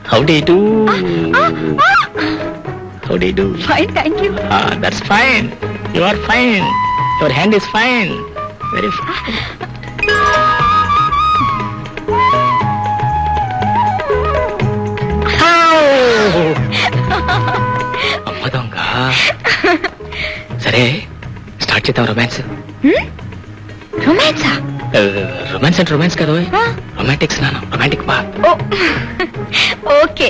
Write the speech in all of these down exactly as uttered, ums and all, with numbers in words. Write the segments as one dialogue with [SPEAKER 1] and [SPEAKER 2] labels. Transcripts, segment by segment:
[SPEAKER 1] How do you do? How do you do?
[SPEAKER 2] Fine, thank you.
[SPEAKER 1] Ah, that's fine. You are fine. Your hand is fine. Very fine. అమ్మ దొంగ. సరే start చేద్దాం romance.
[SPEAKER 2] రొమాన్సా?
[SPEAKER 1] Romance అంటే romance కాదు, romantics నాన్న, romantic బా.
[SPEAKER 2] Okay.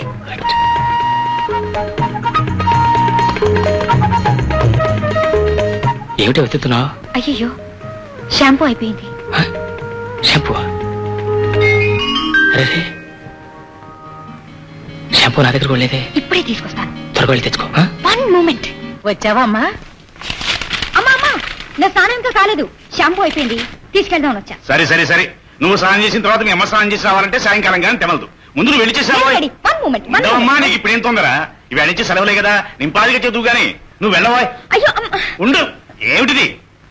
[SPEAKER 1] ఏమిటి వెతుకుతున్నావు?
[SPEAKER 2] అయ్యో, షాంపూ అయిపోయింది.
[SPEAKER 1] షాంపూ? అరే, షాంపూ నా దగ్గర లేదే.
[SPEAKER 2] ఇప్పుడే తీసుకొస్తాను.
[SPEAKER 1] త్వరగా వెళ్ళి తెచ్చుకో.
[SPEAKER 2] One moment. వచ్చావా అమ్మా? అమ్మా అమ్మా, నా స్నానం ఇంకా కాలేదు. షాంపూ అయిపోయింది, తీసుకెళ్దాం వచ్చా.
[SPEAKER 3] సరే సరే సరే, నువ్వు స్నానం చేసిన తర్వాత మీ అమ్మ స్నానం చేసి రావాలంటే సాయంకాలం కానీ తెమలదు. ముందు నువ్వు వెళ్ళి చేసావా?
[SPEAKER 2] One moment.
[SPEAKER 3] అమ్మా, నీకు ఇప్పుడు ఏం తొందర? ఇవి అడిచి సెలవులే కదా, నింపాదిగా చదువు గాని నువ్వు వెళ్ళవా?
[SPEAKER 2] అయ్యో
[SPEAKER 3] ఉండు. ఏమిటిది?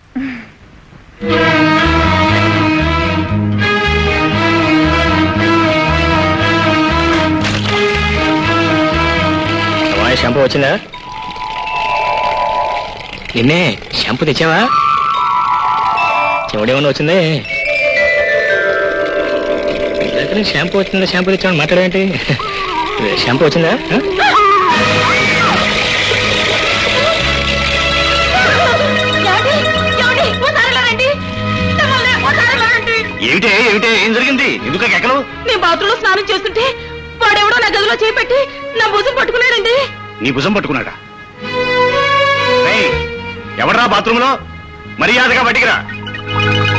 [SPEAKER 1] షాంపూ వచ్చిందా? నిన్నే షాంపూ తెచ్చావా? చెవుడేమన్నా వచ్చిందే? దగ్గర షాంపూ వచ్చిందా, షాంపూ తెచ్చామని మాట్లాడేంటి? షాంపూ వచ్చిందా?
[SPEAKER 3] ఏమిటే ఏమిటే ఏం జరిగింది? ఎందుకు ఎక్కలు?
[SPEAKER 2] నేను బాత్రూమ్ లో స్నానం చేస్తుంటే వాడెవడో నా గదిలో చేపెట్టి నా భుజం పట్టుకున్నాడండి.
[SPEAKER 3] నీ భుజం పట్టుకున్నాడా? ఎవడరా బాత్రూమ్ లో? మర్యాదగా బయటికి రా.